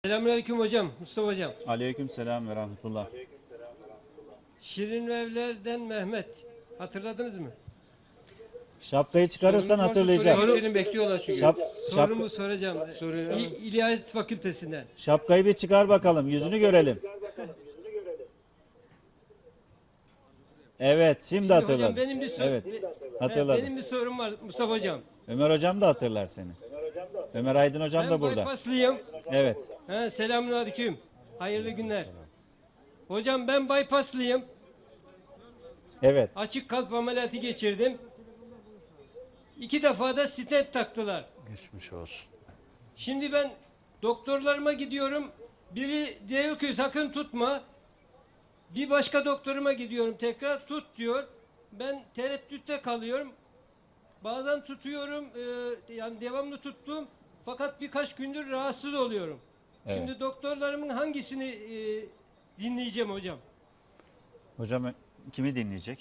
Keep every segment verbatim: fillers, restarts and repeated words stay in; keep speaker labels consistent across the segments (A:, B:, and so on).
A: Selamünaleyküm hocam, Mustafa hocam.
B: Aleykümselam ve rahmetullah.
A: Şirin Evler'den Mehmet. Hatırladınız mı?
B: Şapkayı çıkarırsan
A: Sorunuz varsa
B: hatırlayacağım.
A: sorun-
C: Senin bekliyorlar çünkü.
B: Şap, şap,
A: Sorumu soracağım.
C: Soruyor.
A: İ- İlahiyat Fakültesinden.
B: şapkayı bir çıkar bakalım. Yüzünü görelim. Evet, şimdi
A: Şimdi
B: hatırladım.
A: hocam benim bir sor-
B: Evet,
A: be-
B: hatırladım.
A: Benim bir sorum var Mustafa hocam.
B: Ömer hocam da hatırlar seni. Ömer Aydın hocam
A: Ben
B: da burada.
A: bypasslıyım.
B: Evet.
A: He, selamünaleyküm. Hayırlı günler. Hocam ben bypasslıyım.
B: Evet.
A: Açık kalp ameliyatı geçirdim. İki defa da stent taktılar.
C: Geçmiş olsun.
A: Şimdi ben doktorlarıma gidiyorum. Biri diyor ki sakın tutma. Bir başka doktoruma gidiyorum tekrar tut diyor. Ben tereddütte kalıyorum. Bazen tutuyorum e, yani devamlı tuttum. Fakat birkaç gündür rahatsız oluyorum.
B: Evet.
A: Şimdi doktorlarımın hangisini e, dinleyeceğim hocam?
B: Hocam kimi dinleyecek?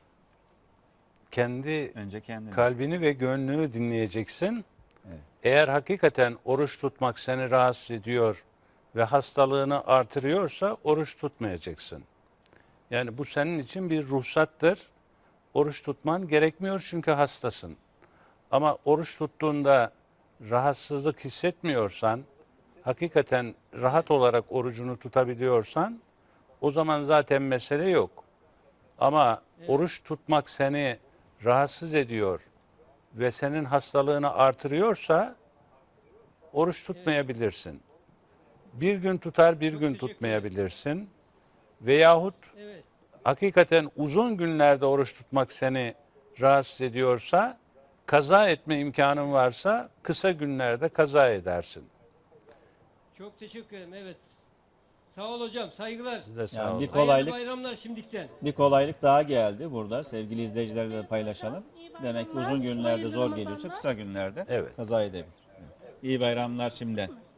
C: Kendi
B: Önce kendini.
C: kalbini ve gönlünü dinleyeceksin.
B: Evet.
C: Eğer hakikaten oruç tutmak seni rahatsız ediyor ve hastalığını artırıyorsa oruç tutmayacaksın. Yani bu senin için bir ruhsattır. Oruç tutman gerekmiyor çünkü hastasın. Ama oruç tuttuğunda rahatsızlık hissetmiyorsan, hakikaten rahat olarak orucunu tutabiliyorsan o zaman zaten mesele yok. Ama oruç tutmak seni rahatsız ediyor ve senin hastalığını artırıyorsa oruç tutmayabilirsin. Bir gün tutar, bir
A: Çok
C: gün
A: teşekkür
C: tutmayabilirsin. Veyahut
A: Evet.
C: hakikaten uzun günlerde oruç tutmak seni rahatsız ediyorsa, kaza etme imkanın varsa kısa günlerde kaza edersin.
A: Çok teşekkür ederim. Evet. Sağ ol hocam. Saygılar.
C: Siz de sağ
B: Yani
C: olun.
B: bir
A: Hayırlı
B: kolaylık
A: bayramlar şimdikten.
B: bir kolaylık daha geldi burada. Sevgili izleyicilerle de paylaşalım. Demek ki uzun günlerde zor geliyorsa kısa günlerde
C: Evet.
B: kaza edebilir. Evet. İyi bayramlar şimdiden.